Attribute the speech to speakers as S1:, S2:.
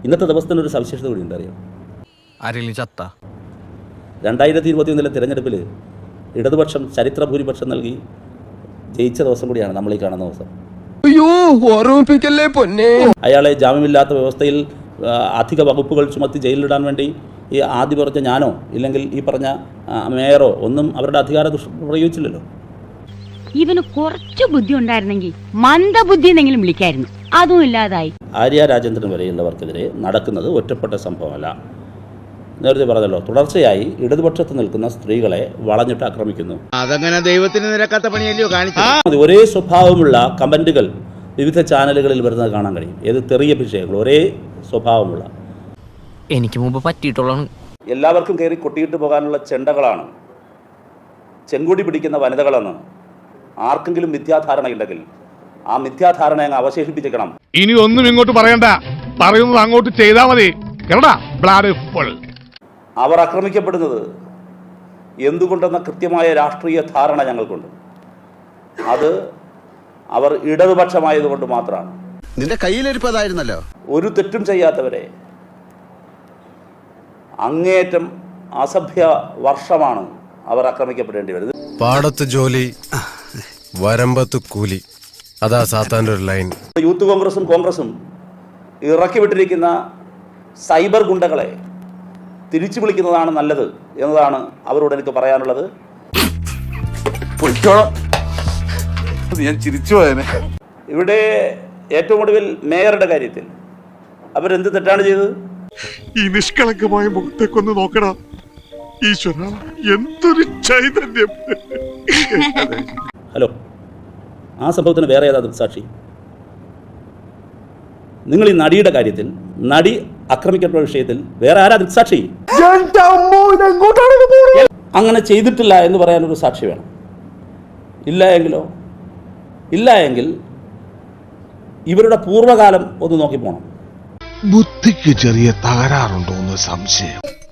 S1: ഇന്നത്തെ ദിവസത്തിനൊരു സവിശേഷത കൂടി ഉണ്ടറിയാം.
S2: ആരെങ്കിലും ചത്ത
S1: 2021 തിരഞ്ഞെടുപ്പിൽ ഇടതുപക്ഷം ചരിത്ര ഭൂരിപക്ഷം നൽകി ജയിച്ച ദിവസം കൂടിയാണ് നമ്മൾ ഈ കാണുന്ന ദിവസം. അയാളെ ജാമ്യമില്ലാത്ത വ്യവസ്ഥയിൽ അധിക വകുപ്പുകൾ ചുമത്തി ജയിലിലിടാൻ വേണ്ടി ഈ ആദ്യം പറഞ്ഞ ഞാനോ ഇല്ലെങ്കിൽ ഈ പറഞ്ഞ മേയറോ ഒന്നും അവരുടെ അധികാര പ്രയോഗിച്ചില്ലല്ലോ.
S3: ഇവന് കുറച്ച് ബുദ്ധി ഉണ്ടായിരുന്നെങ്കിൽ മന്ദബുദ്ധി എന്നെങ്കിലും വിളിക്കായിരുന്നു. അതും ഇല്ലാതായി.
S1: ആര്യ രാജേന്ദ്രൻ വരെയുള്ളവർക്കെതിരെ നടക്കുന്നത് ഒറ്റപ്പെട്ട സംഭവമല്ല. നേരത്തെ പറഞ്ഞല്ലോ, തുടർച്ചയായി ഇടതുപക്ഷത്ത് നിൽക്കുന്ന സ്ത്രീകളെ വളഞ്ഞിട്ട് ആക്രമിക്കുന്നു.
S4: അതങ്ങനെ ദൈവത്തിന് നിരക്കാത്ത പണിയല്ലയോ കാണിച്ചത്.
S1: ഒരേ സ്വഭാവമുള്ള കമന്റുകൾ വിവിധ ചാനലുകളിൽ വരുന്നത് കാണാൻ കഴിയും. ഏത് തെറിയ വിഷയങ്ങൾ ഒരേ സ്വഭാവമുള്ള,
S2: എനിക്ക് മുമ്പ് പറ്റിയിട്ടുള്ളതാണ്.
S1: എല്ലാവർക്കും കയറി കൊട്ടിയിട്ട് പോകാനുള്ള ചെണ്ടകളാണ്, ചെങ്കുടി പിടിക്കുന്ന വനിതകളെന്ന് ആർക്കെങ്കിലും മിഥ്യാധാരണയുണ്ടെങ്കിൽ ആ മിഥ്യാധാരണ അങ്ങ് അവശേഷിപ്പിച്ചേക്കണം.
S5: ഇനി ഒന്നും ഇങ്ങോട്ട് പറയണ്ട, പറയുന്നത് അങ്ങോട്ട് ചെയ്താൽ മതി.
S1: അവർ ആക്രമിക്കപ്പെടുന്നത് എന്തുകൊണ്ടെന്ന കൃത്യമായ രാഷ്ട്രീയ ധാരണ ഞങ്ങൾക്കുണ്ട്. അത് അവർ ഇടതുപക്ഷമായതുകൊണ്ട് മാത്രമാണ്.
S4: നിന്റെ കയ്യിലിരിപ്പതായിരുന്നല്ലോ.
S1: ഒരു തെറ്റും ചെയ്യാത്തവരെ അങ്ങേയറ്റം അസഭ്യ വർഷമാണ് അവർ ആക്രമിക്കപ്പെടേണ്ടി വരുന്നത്.
S6: പാടത്ത് ജോലി, വരമ്പത്ത് കൂലി, അതാ സാത്താൻ്റെ ഒരു ലൈൻ.
S1: യൂത്ത് കോൺഗ്രസും ഇറക്കി വിട്ടിരിക്കുന്ന സൈബർ ഗുണ്ടകളെ തിരിച്ചു വിളിക്കുന്നതാണ് നല്ലത് എന്നതാണ് അവരോട് എനിക്ക് പറയാനുള്ളത്.
S7: ഞാൻ ചിരിച്ചു പോയനെ.
S1: ഇവിടെ ഏറ്റവും ഒടുവിൽ മേയറുടെ കാര്യത്തിൽ അവരെന്ത് തെറ്റാണ് ചെയ്തത്?
S5: ഈ നിഷ്കളങ്കമായ മുഖത്തേക്കൊന്ന് നോക്കടാ ഈശ്വര, എന്തൊരു ചൈതന്യം.
S1: ഹലോ, ആ സംഭവത്തിന് വേറെ ഏതാ ദൃക്സാക്ഷി? നിങ്ങൾ ഈ നടിയുടെ കാര്യത്തിൽ, നടി ആക്രമിക്കപ്പെട്ട വിഷയത്തിൽ വേറെ ആരാ ദൃക്സാക്ഷി? അങ്ങനെ ചെയ്തിട്ടില്ല എന്ന് പറയാനൊരു സാക്ഷി വേണം. ഇല്ല എങ്കിൽ ഇവരുടെ പൂർവ്വകാലം ഒന്ന് നോക്കി പോകണം.
S5: ബുദ്ധിക്ക് ചെറിയ തകരാറുണ്ടോ എന്ന് സംശയം.